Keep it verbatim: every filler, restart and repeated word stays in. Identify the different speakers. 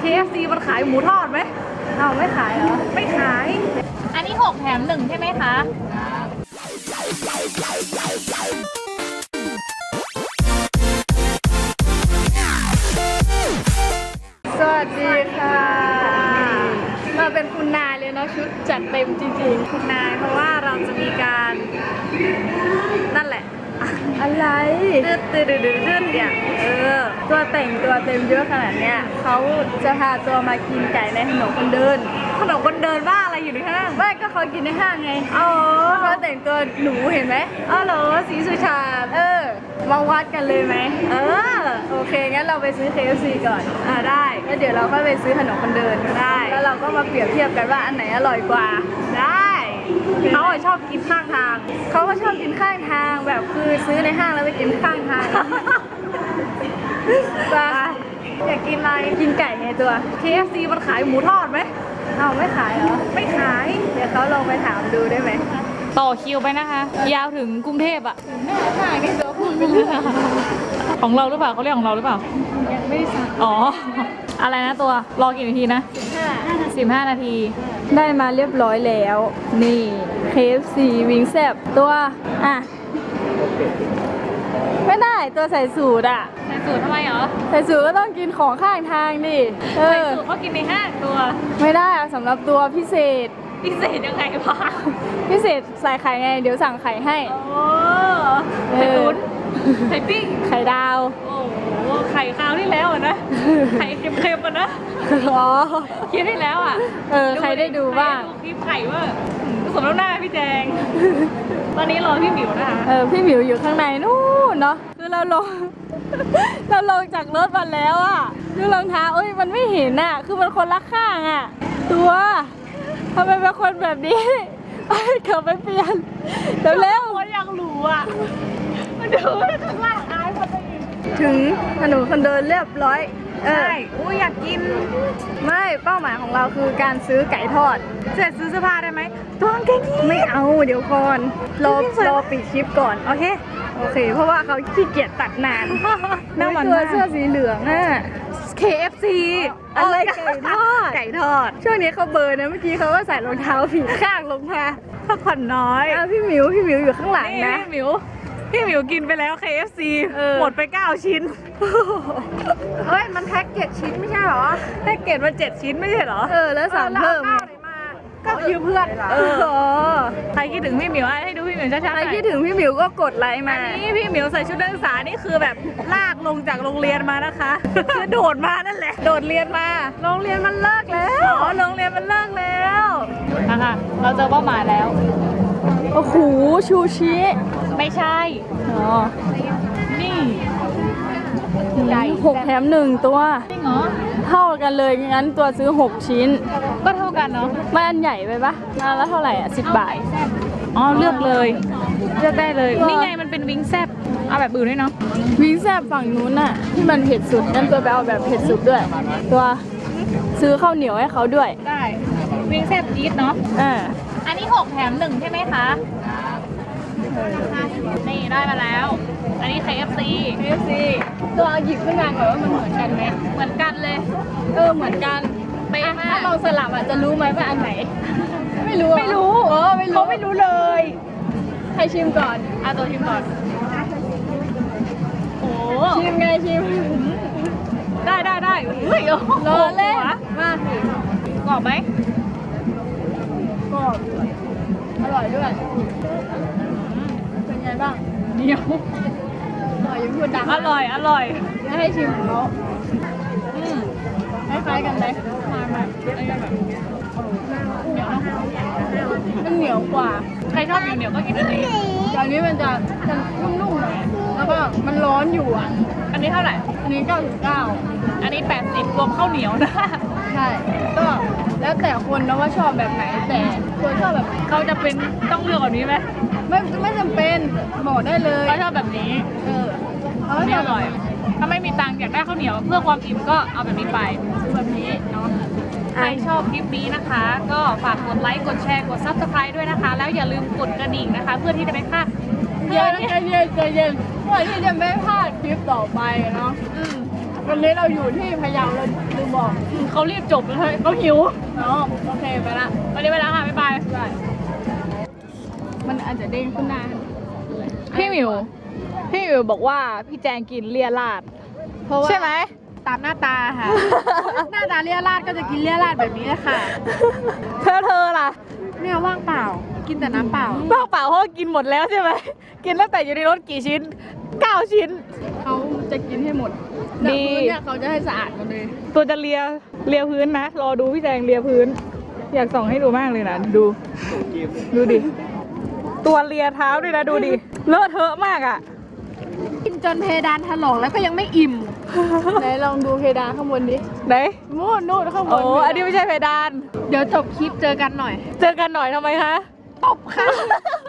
Speaker 1: เค เอฟ ซี มันขายหมูทอดไหมเอาไม่ขายเหรอไม่ขายอันนี้หกแถมหนึ่งใช่ไหมคะสวัสดีค่ะมาเป็นคุณนายเลยเนาะชุดจัดเต็มจริงๆคุณนายเพราะว่าเราจะมีการนั่นแหละอะไรดื้อดื้อดื้อดื้อเนี่ยเออตัวแต่งตัวเต็มเยอะขนาดเนี้ยเขาจะพาตัวมากินไก่ในถนนคนเดินถนนคนเดินว่าอะไรอยู่ในห้างไม่ก็เขากินในห้างไงอ๋อเขาแต่งตัวหนูเห็นไหมอ๋อเหรอสีสุชาติเออมาวัดกันเลยไหมเออโอเคงั้นเราไปซื้อ เค เอฟ ซี ก่อนอ่าได้แล้วเดี๋ยวเราก็ไปซื้อถนนคนเดินได้แล้วเราก็มาเปรียบเทียบกันว่าอันไหนอร่อยกว่าได้เขาชอบกินข้างทางเขาก็ชอบกินข้างทางแบบคือซื้อในห้างแล้วไปกินข้างทางจ้าอยากกินอะไรกินไก่ไงตัว เค เอฟ ซี มันขายหมูทอดไหมเอาไม่ขายเหรอไม่ขายเดี๋ยวเขาลองไปถามดูได้ไหมต่อคิวไปนะคะยาวถึงกรุงเทพอะหน้าหน้าไงตัวพูดไปเรื่อยของเราหรือเปล่าเขาเรียกของเราหรือเปล่ายังไม่ได้สั่งอ๋ออะไรนะตัวรอกี่นาทีนะสิบห้านาทีได้มาเรียบร้อยแล้วนี่ เค เอฟ ซี วิงแซบตัวอ่ะไม่ได้ตัวใส่สูตรอ่ะใส่สูตรทำไมเหรอใส่สูตรก็ต้องกินของข้างทางดิใส่สูตรเขากินในห้างตัวไม่ได้สำหรับตัวพิเศษพิเศษยังไงวะพิเศษใส่ไข่ไงเดี๋ยวสั่งไข่ให้โอ้ไข่ตุ๋นไข่ปิ้งไข่ดาวโอ้โหไข่คราวที่แล้วนะไข่เค็มๆอ่ะนะอ๋อคิดได้แล้วอ่ะเออใครได้ดูบ้างคลิปไข่ว่าสมน้ำหน้าพี่แจงตอนนี้รอพี่หมิวนะคะเออพี่หมิวอยู่ข้างในนู่นเนาะคือเราลงเราลงจากรถมาแล้วอ่ะดูรองเท้าเอ้ยมันไม่เห็นอ่ะคือมันคนละข้างอ่ะตัวทำไมเป็นคนแบบนี้ไปเขับไปเปลี่ยนเร็วเร็วคนยังหลูอ่ะมาดูข้างล่างอายคนไปอีกถึงถนนคนเดินเรียบร้อยใช่อุ้ยอยากกินไม่เป้าหมายของเราคือการซื้อไก่ทอดเสร็จซื้อเสื้อผ้าได้ไหมตัวกางเกงยีนไม่เอาเดี๋ยวก่อนรอรอปิดคลิปก่อนโอเคโอเคเพราะว่าเขาขี้เกียจตัดนานน่าหวานตัวเสื้อสีเหลืองอ่ะ เค เอฟ ซี อะไรไก่ทอดไก่ทอดช่วงนี้เขาเบิร์นนะเมื่อกี้เขาก็ใส่รองเท้าผีข้างลงมาพักผ่อนน้อยพี่หมิวพี่หมิวอยู่ข้างหลังนะพี่หมิวพี่หมิวกินไปแล้ว เค เอฟ ซี หมดไปเก้าชิ้นเฮ้ยมันแพ็กเจ็ดชิ้นไม่ใช่หรอแพ็กเกจมาเจ็ดชิ้นไม่ใช่หรอเออแล้วสั่งเพิ่มก็ยืมเพื่อนเออใครคิดถึงพี่หมิวให้ดูพี่หมิวช้าๆใครคิดถึงพี่หมิวก็กดไลค์มาอันนี้พี่หมิวใส่ชุดนักศึกษานี่คือแบบลากลงจากโรงเรียนมานะคะคือโดดมานั่นแหละโดดเรียนมาโรงเรียนมันเลิกแล้วอ๋อโรงเรียนมันเลิกแล้วนะคะเราเจอเป้าหมายแล้วโอ้โหชูชิไม่ใช่อ๋อนี่ไก่หกแถมหนึ่งตัวจริงเหรอเท่ากันเลยงั้นตัวซื้อหกชิ้นก็เท่ากันเนาะไม่อันใหญ่ไปปะอันละเท่าไหร่อ่ะสิบบาทอ๋อเลือกเลยเลือกได้เลยนี่ไงมันเป็นวิงแซบเอาแบบอื่นด้วยเนาะวิงแซบฝั่งนู้นน่ะที่มันเผ็ดสุดงั้นตัวไปเอาแบบเผ็ดสุดด้วยตัวซื้อข้าวเหนียวให้เขาด้วยได้วิงแซบจี๊ดเนาะอ่าอันนี้หกแถมหนึ่งใช่ไหมคะนี่ได้มาแล้วอันนี้ เค เอฟ ซี เค เอฟ ซี ตัวหยิบขึ้นมาก่อนว่ามันเหมือนกันไหมเหมือนกันเลยเออเหมือนกันไปถ้าลองสลับอ่ะจะรู้ไหมว่าอันไหนไม่รู้ไม่รู้เออไม่รู้เขาไม่รู้เลยให้ชิมก่อนอ่ะตัวชิมก่อนโอ้ชิมไงชิมได้ได้ได้เฮ้ยรอเล่นมากกรอบไหมกรอบอร่อยด้วยเป็นไงบ้างเหนียวอร่อยยังพูดดังอร่อยอร่อยแล้วให้ชิมของเขาอืมคล้ายๆกันเลยมาแบบอะไรกันแบบเหนียวมันเหนียวกว่าใครชอบเหนียวเหนียวก็กินอันนี้อันนี้มันจะจะนุ่มๆหน่อยแล้วก็มันร้อนอยู่อ่ะอันนี้เท่าไหร่อันนี้เก้าสิบเก้าอันนี้แปดสิบรวมข้าวเหนียวนะใช่ก็แล้วแต่คนนะว่าชอบแบบไหนแต่คนชอบแบบเขาจะเป็นต้องเลือกแบบนี้ไหมไม่ไม่จำเป็นบอกได้เลยเขาชอบแบบนี้เออเขาไม่อร่อยถ้าไม่มีตังค์อยากได้ข้าวเหนียวเพื่อความอิ่มก็เอาแบบนี้ไปแบบนี้เนาะใครชอบคลิปนี้นะคะก็ฝากกดไลค์กดแชร์กดซับสไครต์ด้วยนะคะแล้วอย่าลืมกดกระดิ่งนะคะเพื่อที่จะไม่พลาดเย็นใจเย็นใจเย็นเพื่อที่จะไม่พลาดคลิปต่อไปเนาะอืมวันนี้เราอยู่ที่พะเยาเลยลืมบอกเขารีบจบเลยเขาหิวอ๋อโอเคไปละวันนี้ไปแล้วค่ะบ๊ายบายบ๊ายบายมันอาจจะเด้งขึ้นหน้าพี่หมิวพี่หมิวบอกว่าพี่แจงกินเลียราดเพราะว่าใช่ไหมตามหน้าตาค่ะ หน้าตาเลียราดก็จะกินเลียราดแบบนี้แหละค่ะเธอเธอล่ะเนี่ยว่างเปล่ากินแต่น้ำเปล่าว่างเปล่าเพราะกินหมดแล้วใช่ไหมกินตั้งแต่อยู่ในรถกี่ชิ้นเก้าชิ้นเขาจะกินให้หมดดีเนี่ยเขาจะให้สะอาดหมดเลยตัวจะเลียเลียพื้นนะรอดูพี่แจงเลียพื้นอยากส่องให้ดูมากเลยนะดูดูดิตัวเลียเท้าด้วยนะดูดิเลอะเทอะมากอ่ะกินจนเพดานถลอกแล้วก็ยังไม่อิ่มไหนลองดูเพดานข้างบนดิไหนนู่นนู่นข้างบนโอ้อันนี้ไม่ใช่เพดานเดี๋ยวจบคลิปเจอกันหน่อยเจอกันหน่อยทำไมคะตบค่ะ